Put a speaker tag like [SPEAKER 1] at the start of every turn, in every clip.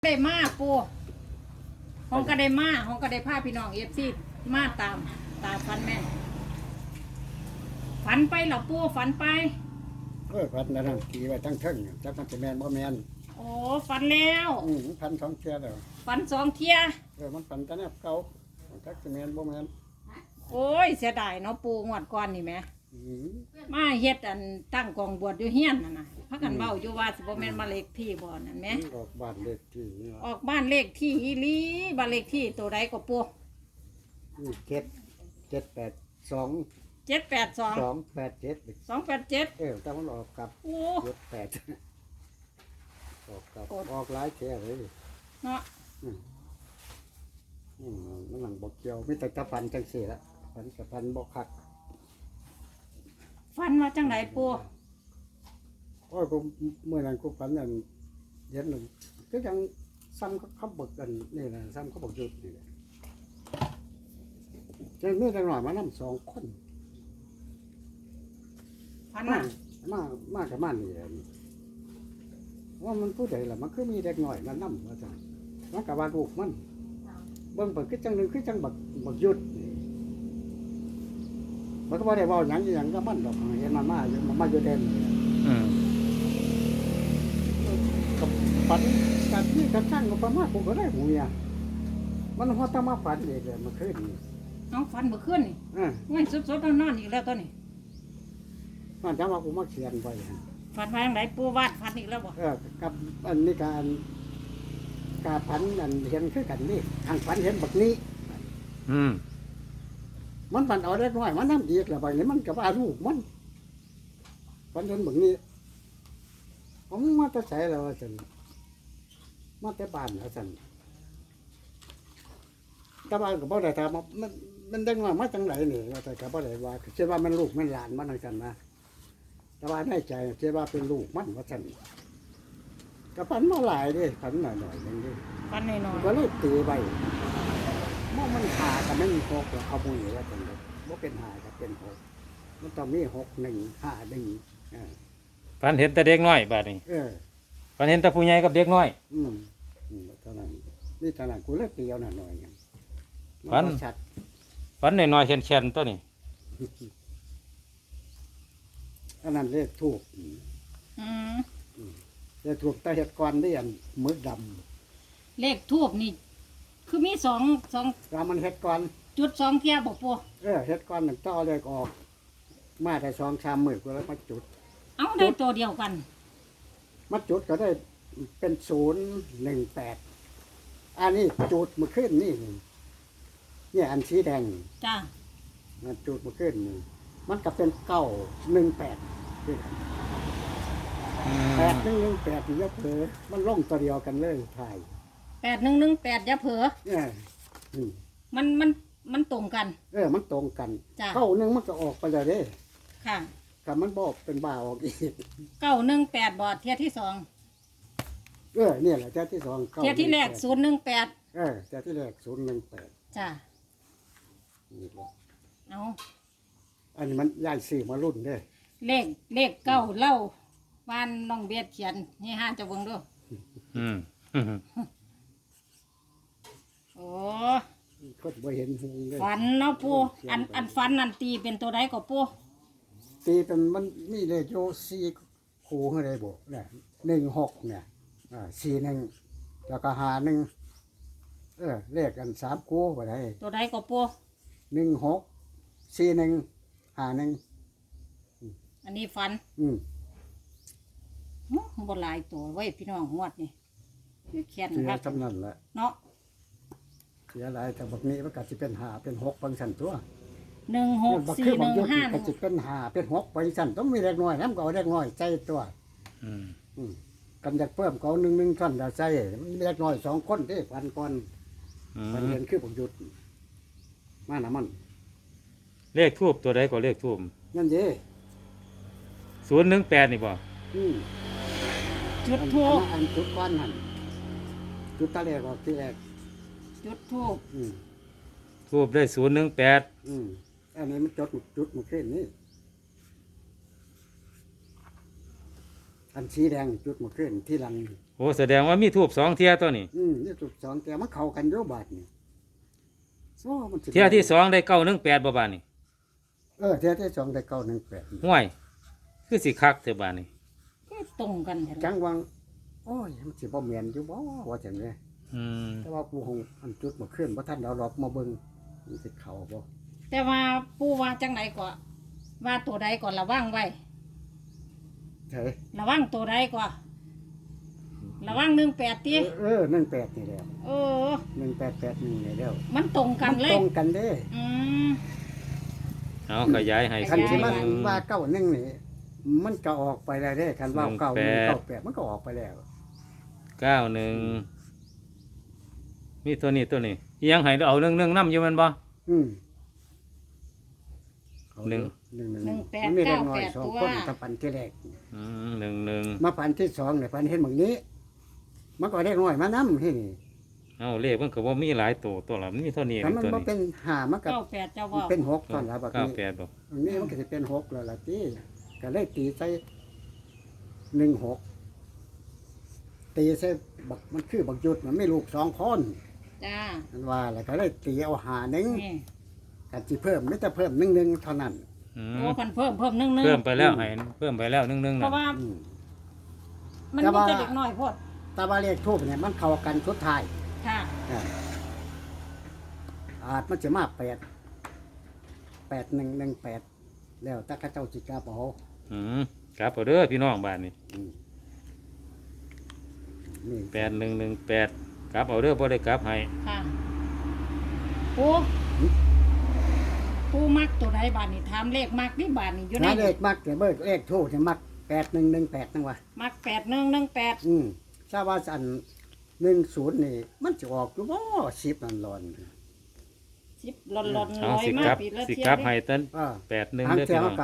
[SPEAKER 1] ได้มาปูห้องก็ได้มาห้องก็ได้พาพี่น้องFCมาตามฝันแม่นฝันไปเหรอปูฝันไป
[SPEAKER 2] พันนั่นขี่ไว้ทั้งเทิงจักมันจะแมนบ่แมน
[SPEAKER 1] โอ้ฝันแล้ว
[SPEAKER 2] พันสองเที่ยแล้ว
[SPEAKER 1] ฝัน2 เที่ย
[SPEAKER 2] มันฝันแต่แนบเก่าจักจะแมนบ่แมน
[SPEAKER 1] โอ้ยเสียดายเนาะปูงวดก่อนนี่แหมมาเฮ็ดอันตั้งกองบวชอยู่เฮียนน่ะนะพากันเว้าอยู่ว่าสิบ่แม่นบ้านเลขที่บ่นั่นแหม
[SPEAKER 2] ออกบ้านเลขที่นี่
[SPEAKER 1] ออกบ้านเลขที่อีหลีบ้านเลขที่ตัวใดก็ปู
[SPEAKER 2] 782
[SPEAKER 1] 782
[SPEAKER 2] 287
[SPEAKER 1] 287
[SPEAKER 2] แต่มันออกกับ
[SPEAKER 1] โอ้
[SPEAKER 2] 78ออกกับออกหลายแท้เลย
[SPEAKER 1] เนาะ
[SPEAKER 2] มันหลังบ่เกี่ยวมีแต่ตะพันจังซี่ละพันกับพันบ่คัก
[SPEAKER 1] ฝันว่าจังไดปู
[SPEAKER 2] โอ้ยกูเมื่อนั้นกูฝันนั่นเย็นนึงก็ยังซ้ำเขาบอกกันนี่นะซ้ำเขาบอกหยุดนี่แหละจะมีแต่หน่อยมานั่ง2 คน
[SPEAKER 1] ฝัน
[SPEAKER 2] มากับมันนี่แหละว่ามันผู้ใดล่ะมันคือมีเด็กหน่อยมานั่งว่าจังมันกับว่าลูกมันเบิ่งเปิดคือจังนึงคือจังบักหยุดมันก็บ่ได้เว้าหยังก็มันดอกเห็นมันมาอยู่เด่นกับฝันกับที่กับช่างก็ประมาณผมก็ได้หูเนี่ยมันหัวตามาฝันเองเลยมันขึ้น
[SPEAKER 1] น้องฝันเมื่อคืนนี่ง่ายสดๆนอนๆอีกแล้วตัวนี้
[SPEAKER 2] มันจะมากูมาเขียนไป
[SPEAKER 1] ฝันว่าอย่างไรปูวาดฝันอีกแล้วบ่
[SPEAKER 2] กับอันนี้การฝันอันเห็นคือกันนี่ทางฝันเห็นแบบนี้มันฝันเอาได้น้อยมันน้ำดีแล้วไปนี่มันกับอารูปมันฝันเห็นแบบนี้ผมมาแต่ใส่แล้วสันมาแต่บ้านแล้วสันแต่บ้านกับบ่ได้ถามมันได้ว่ามาจังไหนนี่แต่กับบ่ได้ว่าเชื่อว่ามันลูกมันหลานมันอะไรกันนะแต่ว่าในใจเชื่อว่าเป็นลูกมันว่าสันกับฝันมาหลายดิฝันหน่อยอย่างนี้
[SPEAKER 1] ฝันหน่อย
[SPEAKER 2] ก็เลยตีไปมันหากับไม่มีหกแล้วเอาบุญแล้วจังเลยว่าเป็นหากับเป็นหกมันต้องมี6 1 5 1
[SPEAKER 3] ฝันเห็นแต่เด็กน้อยบาดนี้ฝันเห็นแต่ผู้ใหญ่กับเด็กน้อย
[SPEAKER 2] เท่านั้นนี่เท่านั้นกูเลิกเดียวหน่อย
[SPEAKER 3] ฝันน้อยๆแข็งๆตัวนี้
[SPEAKER 2] อันนั้นเลขทูบเลขทูบตาเห็ดก้อนได้อันมือด
[SPEAKER 1] ำเลขทูบนี่คือมีสอง
[SPEAKER 2] เรามันเห็ดก้อน
[SPEAKER 1] จุด2 เที่ยบ่ปู
[SPEAKER 2] เห็ดก้อนหนึ่งต่อเลขออกมาได้2-3 มื้อกูแล้วมาจุด
[SPEAKER 1] เอาได้ตัวเดียวกัน
[SPEAKER 2] มาจุดก็ได้เป็น018อันนี้จุดมาขึ้นนี่เนี่ยอันสีแดง
[SPEAKER 1] จ้า
[SPEAKER 2] มันจุดมาขึ้นนี่มันก็เป็น918ด้วยกัน8118นี่ยกเผลอมันล่องตัวเดียวกันเลยถ่าย
[SPEAKER 1] 8118อย่าเผลอมันตรงกัน
[SPEAKER 2] มันตรงกันเข้านึงมันก็ออกไปเลยเด้
[SPEAKER 1] ค่ะ
[SPEAKER 2] กับมันบอกเป็นบ่าออกอีก
[SPEAKER 1] 918บอดเที่ยที่2
[SPEAKER 2] เนี่ยแหละเที่ยที่2
[SPEAKER 1] เที่ยที่แรก018
[SPEAKER 2] เที่ยที่แรก018
[SPEAKER 1] จ้าเอา
[SPEAKER 2] อันนี้มันย้ายซื้อมารุ่นเด้
[SPEAKER 1] เลขเก้าเล่าบ้านน้องเบียดเขียนนี่ห้าจะเบิ่งดูโอ้
[SPEAKER 2] ก็บ่เห็นเลย
[SPEAKER 1] ฝันเนาะปูอันฝันนั่นตีเป็นตัวใดก็ปู
[SPEAKER 2] ตีเป็นมันมีเลขโย4คู่ให้ได้บ่เนี่ย16เนี่ย41แล้วก็51เลขกัน3คู่บ่ได้
[SPEAKER 1] ตัวใดก็ปู
[SPEAKER 2] 16 41 51
[SPEAKER 1] อันนี้ฝันบ่หลายตัวไว้พี่น้องงวดนี่เขียน
[SPEAKER 2] ครับจำนั่นแหละ
[SPEAKER 1] เนาะ
[SPEAKER 2] เสียหลายแต่บักนี้มันก็สิเป็น5เป็น6บางสั่นตัว
[SPEAKER 1] 16 4 1 5
[SPEAKER 2] ก็สิเป็น5เป็น6บางสั่นต้องมีเล็กน้อยนำก็เอาเล็กน้อยใจตัวกันอยากเพิ่มก็เอา1ท่อนดาใจมันเล็กน้อย2คนเด้พันก่อนมันเรียนคือผมหยุดมาน่ะมัน
[SPEAKER 3] เลขทูบตัวใดก็เลขทูบ
[SPEAKER 2] นั่นเด้
[SPEAKER 3] 018นี่บ่
[SPEAKER 1] จุดทูบ
[SPEAKER 2] อันจุดก้อนหั่นจุดตะแรกออกที่แรก
[SPEAKER 1] จุดทูบ
[SPEAKER 3] ทูบได้018
[SPEAKER 2] อันนี้มันจุดมันขึ้นนี่อันสีแดงจุดมันขึ้นที่หลัง
[SPEAKER 3] โอ้แสดงว่ามีทูบ2เที่ยตัวนี้
[SPEAKER 2] นี่ถูกสองแต่มันเข้ากันอยู่บาดนี่โอ้มันสิ
[SPEAKER 3] เที่ยที่2ได้918บ่บาดนี้
[SPEAKER 2] เที่ยที่สองได้918
[SPEAKER 3] ห่วยคือสิคักเถอะบาดนี้
[SPEAKER 1] ก็ตรงกันเห็น
[SPEAKER 2] จังวังโอ้ยมันสิบ่แม่นอยู่บ่ว่าจังได๋
[SPEAKER 3] อืม
[SPEAKER 2] แต่ว่ากูคงอันจุดมาขึ้นบ่ทันเอาดอกมาเบิ่งมันสิเข้าบ่
[SPEAKER 1] แต่ว่าปูว่าจังไหนก่อนว่าตัวใดก่อนระวังไว้
[SPEAKER 2] ใช่
[SPEAKER 1] ระวังตัวใดก่อนระวัง18ติ
[SPEAKER 2] 18นี่แหล้ว
[SPEAKER 1] เออ
[SPEAKER 2] 1881นี่แล้ว
[SPEAKER 1] มันตรงกันเล
[SPEAKER 2] ต
[SPEAKER 1] ย
[SPEAKER 2] รงกันเด้
[SPEAKER 1] อืม
[SPEAKER 3] เอาขยายให้
[SPEAKER 2] คันสิมา
[SPEAKER 3] สูง
[SPEAKER 2] ว่า91นี่มันก็ออกไปแล้วเด้คันว่า91 98มันก็ออกไปแล้ว
[SPEAKER 3] 91มีตัวนี้อิหยังให้เอาเรื่องนํอยู่แม่นบ่
[SPEAKER 2] อืม
[SPEAKER 3] หนึ่ง
[SPEAKER 2] มันมีเล็กน้อยสองคนตะปันที่แรก
[SPEAKER 3] 11
[SPEAKER 2] มาปันที่สองเนี่ยปันเห็นแบบนี้ มันก็เล็กน้อยมานำที่นี่
[SPEAKER 3] เอาเลขมันก็บ่มีหลายตัวละมันมีเท่านี้
[SPEAKER 2] ถ้ามัน
[SPEAKER 3] ตัว
[SPEAKER 2] บ่
[SPEAKER 3] นี้
[SPEAKER 2] เป็น5มันก็
[SPEAKER 1] 98เจ้า
[SPEAKER 2] มัน
[SPEAKER 1] ว่า
[SPEAKER 2] เป็น6ตอนละบัดนี้
[SPEAKER 3] 98บ่
[SPEAKER 2] อันนี้มันก็สิเป็น6แล้วล่ะติก็เลยตีใส่16ตีใส่บักมันคือบักยุดมันไม่ลูก2คน
[SPEAKER 1] จ้า
[SPEAKER 2] มันว่าแล้วก็เลยตีเอาหาหนึง
[SPEAKER 1] นี่
[SPEAKER 2] ก็สิเพิ่มไม่แต่เพิ่ม1เท่านั้น
[SPEAKER 3] อืม
[SPEAKER 1] โอ้พันเพิ่มนึง
[SPEAKER 3] เพิ่มไปแล้วให้เพิ่มไปแล้วนึง
[SPEAKER 1] เพราะว่า
[SPEAKER 2] อืม
[SPEAKER 1] มัน
[SPEAKER 2] แต่
[SPEAKER 1] มี
[SPEAKER 2] ว่า
[SPEAKER 1] แต่เด็กน้อยโพด
[SPEAKER 2] แต่ว่าเลขทูปเนี่ยมันเข้ากันสุดท้าย
[SPEAKER 1] ค่ะ
[SPEAKER 2] อาจมันจะมา8118แล้วแต่เข้าเจ้าจิกาเปเอา
[SPEAKER 3] กลับเอาเด้อพี่น้องบ้านนี้
[SPEAKER 2] อืมนี่
[SPEAKER 3] 8118กลับเอาเด้อบ่ได้กลับให้
[SPEAKER 1] ค่ะปูมักตัวใดบาทนี่ถามเลขมักนี่บาทนี่อยู่ใน
[SPEAKER 2] เลขมักแต่เบิกเลขทูปเนี่ยมัก8118นั่นวะ
[SPEAKER 1] มัก8118
[SPEAKER 2] ทราบว่าอัน10นี่มันจะออกอยู่บ่10นั่นร้อน
[SPEAKER 1] 10หล่นๆ
[SPEAKER 3] เอา
[SPEAKER 1] ลอย
[SPEAKER 3] สิ
[SPEAKER 1] มาก
[SPEAKER 3] ลับ
[SPEAKER 1] ปีละ
[SPEAKER 3] สิ
[SPEAKER 1] เที่ย
[SPEAKER 3] กลับ
[SPEAKER 1] ว
[SPEAKER 3] ให้ตั้น
[SPEAKER 2] อ่า
[SPEAKER 3] 81
[SPEAKER 2] ทาง
[SPEAKER 3] เด้อ
[SPEAKER 2] เสี
[SPEAKER 3] พี่
[SPEAKER 2] ย
[SPEAKER 3] น้อง
[SPEAKER 2] ก็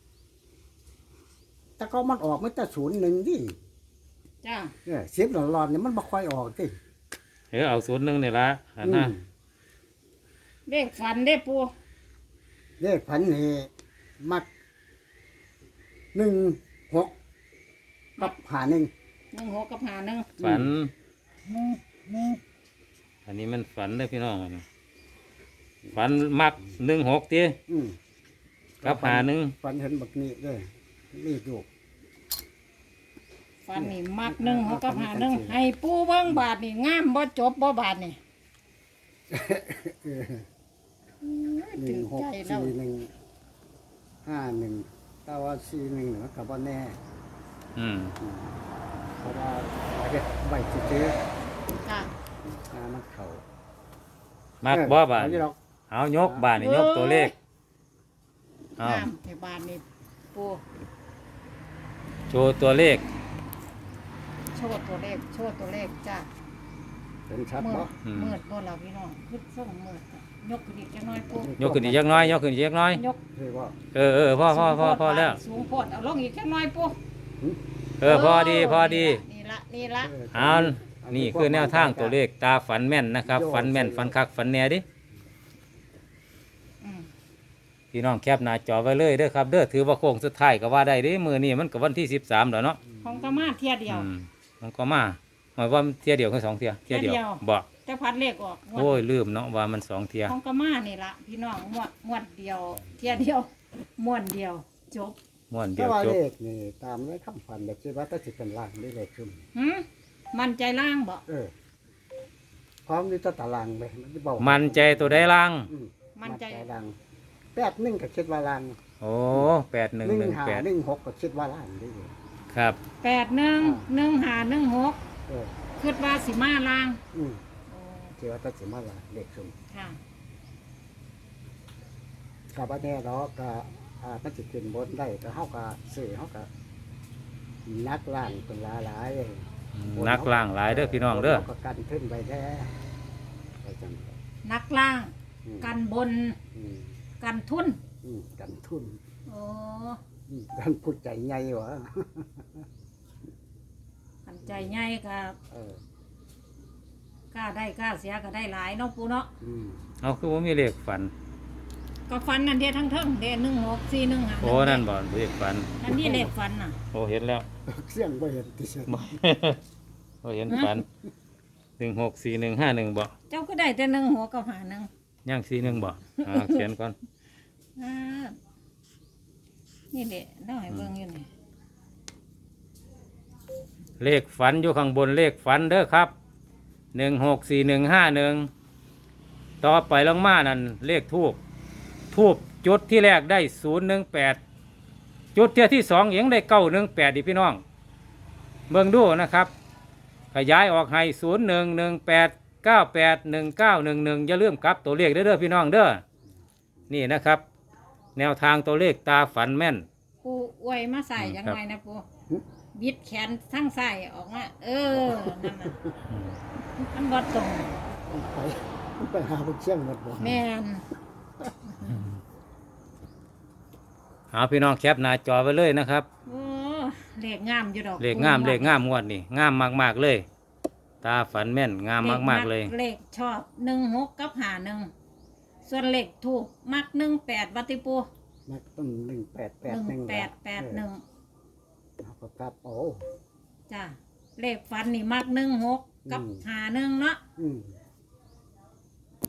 [SPEAKER 2] แต่ก็มันออกมันแต่01ดิ
[SPEAKER 1] จ้า
[SPEAKER 2] 10ร้อนๆเนี่ยมันบ่ค่อยออกติ
[SPEAKER 3] เอา01นี่ล่ะอันน่ะ
[SPEAKER 1] เลขฝันได้ปู
[SPEAKER 2] เลขพันนี่มัก16กับ51
[SPEAKER 1] 16กับ51
[SPEAKER 3] ฝัน อันนี้มันฝันเด้อพี่น้องอันนี้ฝันมัก16ติ
[SPEAKER 2] อืม
[SPEAKER 3] กับ51
[SPEAKER 2] ฝันเห็นบักนี้เด้อนี่ดู
[SPEAKER 1] ฝันนี่มัก16กับ51ให้ปูเบิ่งบาทนี่งามบ่จบบ่บาทนี่
[SPEAKER 2] หนึ่งหกสี่หนึ่ง51แต่ว่า41มันก็บ่แน่
[SPEAKER 3] อืม
[SPEAKER 2] เพราะว่าเฮ็ดใบซื้อ
[SPEAKER 1] ค่ะ
[SPEAKER 2] มันเข้า
[SPEAKER 3] มักบ่บาด
[SPEAKER 2] เออยู่ดอก
[SPEAKER 3] เอายกบาดนี่ยกตัวเลขเอา
[SPEAKER 1] งามในบาทนี่ปู
[SPEAKER 3] โชว์ตัวเลข
[SPEAKER 1] โชว์ตัวเลขจ้า
[SPEAKER 2] เป็นชัด
[SPEAKER 1] มื
[SPEAKER 2] บ่
[SPEAKER 1] ดมืดบ่ล่ะพี่น้องขึ้นส่งมืดจ้ะยกขึ้นอีกจักหน่อยปู
[SPEAKER 3] ยกขึ้นอีกจักหน้อยยกขึ้นอีกจักหน้อย
[SPEAKER 1] ยก
[SPEAKER 2] คือว่า
[SPEAKER 3] พอแล้ว
[SPEAKER 1] สูงโพดเอาลงอีกจักหน่อยปู
[SPEAKER 3] พอดี
[SPEAKER 1] นี่ละ
[SPEAKER 3] เอานี่คือแนวทางตัวเลขตาฝันแม่นนะครับ ฝันแม่นฝันคักฝันแน่ดิ
[SPEAKER 1] อืม
[SPEAKER 3] พี่น้องแคปหน้าจอไว้เลยเด้อครับเด้อถือว่าโค้งสุดท้ายก็ว่าได้เด้มื้อนี้มันก็วันที่13แล้วเนาะ
[SPEAKER 1] ของกะมาเที่ยเดียว
[SPEAKER 3] มันก็มาหมายว่าเที่ยเดียวคือ2เที่ยเที่ยเดียว
[SPEAKER 1] เที่ยเดียว
[SPEAKER 3] บ่
[SPEAKER 1] จะพัดเลขออก
[SPEAKER 3] โอ้ยลืมเนาะว่ามัน2เที่ย
[SPEAKER 1] ของกะมานี่ละพี่น้องมวดเดียว เที่ยเดียวม้วนเดียว จบ
[SPEAKER 3] ม่วนเดี
[SPEAKER 2] แต่
[SPEAKER 3] ยว
[SPEAKER 2] ว่า
[SPEAKER 3] จบ
[SPEAKER 2] เลขนี่ตามไว้คำฝันแบบที่ว่าถ้าสิเป็นล่างได้เลขขึ้น
[SPEAKER 1] หืมมันใจล่างบ่
[SPEAKER 2] พร้อมที่จะตารางไปมันจะบอก
[SPEAKER 3] มันใจตัวใดล่าง
[SPEAKER 1] มันใจ
[SPEAKER 2] ล่าง81ก็คิดว่าล่าง
[SPEAKER 3] โอ้
[SPEAKER 2] 15
[SPEAKER 3] 8118
[SPEAKER 2] 16ก็คิดว่าล่างได้อยู่
[SPEAKER 3] ครับ
[SPEAKER 1] 811516
[SPEAKER 2] เออ
[SPEAKER 1] คิดว่าสิมาล่าง
[SPEAKER 2] อืมคิดว่าถ้าสิมาล่างเลขขึ้น
[SPEAKER 1] ค่ะ
[SPEAKER 2] ก็บ่แน่ดอกก็มันสิขึ้นบนได้ก็เฮาก็ซื้อเฮาก็นักล่างเป็นหลายๆ
[SPEAKER 3] นักล่างหลายเด้อพี่น้องเด้อ
[SPEAKER 2] ก็กันขึ้นไปแท้ไปจัง
[SPEAKER 1] นักล่าง
[SPEAKER 2] อืม
[SPEAKER 1] กันบน
[SPEAKER 2] อืม
[SPEAKER 1] กันทุน
[SPEAKER 2] กันทุน
[SPEAKER 1] โอ้
[SPEAKER 2] กันพูดใจใหญ่หวะ
[SPEAKER 1] กันใจใหญ่ก็
[SPEAKER 2] เออก
[SPEAKER 1] ล้าได้กล้าเสียก็ได้หลายเนาะปูเนาะ
[SPEAKER 2] อืม
[SPEAKER 3] เอาคือว่ามีเลขฝัน
[SPEAKER 1] ก็ฟันนั่นเดียทั้งเทิงเดีย1641
[SPEAKER 3] โอ้นั่นบ่เลขฝัน
[SPEAKER 1] นั่นนี่เลขฟันน่ะ
[SPEAKER 3] โอ้เห็นแล้ว
[SPEAKER 2] เสียงบ่เห็นที่สุด
[SPEAKER 3] บ่ก็เห็นฝัน164151บ่
[SPEAKER 1] เจ้าก็ได้แต่หนึ่งหัวกับหาหนึ่ง
[SPEAKER 3] ย่าง41บ่เขียนก่อน
[SPEAKER 1] อ่านี่เด็น้อยเบิ่งอยู่นี่
[SPEAKER 3] เลขฝันอยู่ข้างบนเลขฝันเด้อครับ164151ต่อไปลงมานั่นเลขทูบจุดที่แรกได้018จุดที่สองเองได้918ดิพี่น้องเบิ่งดูนะครับขยายออกให้0118981911อย่าลืมกลับตัวเลขเด้อพี่น้องเด้อนี่นะครับ แนวทางตัวเลขตาฝันแม่น
[SPEAKER 1] ปูอวยมาใส่ยังไงนะปูบิดแขนทั้งใส่ออกมานั่นน่ะมันบ่ตรง
[SPEAKER 2] ไปหาพวกเชี่ยงหมดบ่
[SPEAKER 1] แม่น
[SPEAKER 3] หาพี่น้องแคปหน้าจอไว้เลยนะครับ
[SPEAKER 1] โอ้เลขงามอยู่ดอก
[SPEAKER 3] เลขงามงวดนี่งามมากๆเลย ตาฝันแม่นงามมากๆเลย
[SPEAKER 1] เลขชอบ16กับหาหนึ่งส่วนเลขถูกมัก18วัติปู
[SPEAKER 2] นักต้น1881
[SPEAKER 1] 1881
[SPEAKER 2] เอาก็กลับเอา
[SPEAKER 1] จ้ะเลขฟันนี่มัก16กับหาหนึ่งเนาะ
[SPEAKER 2] อืม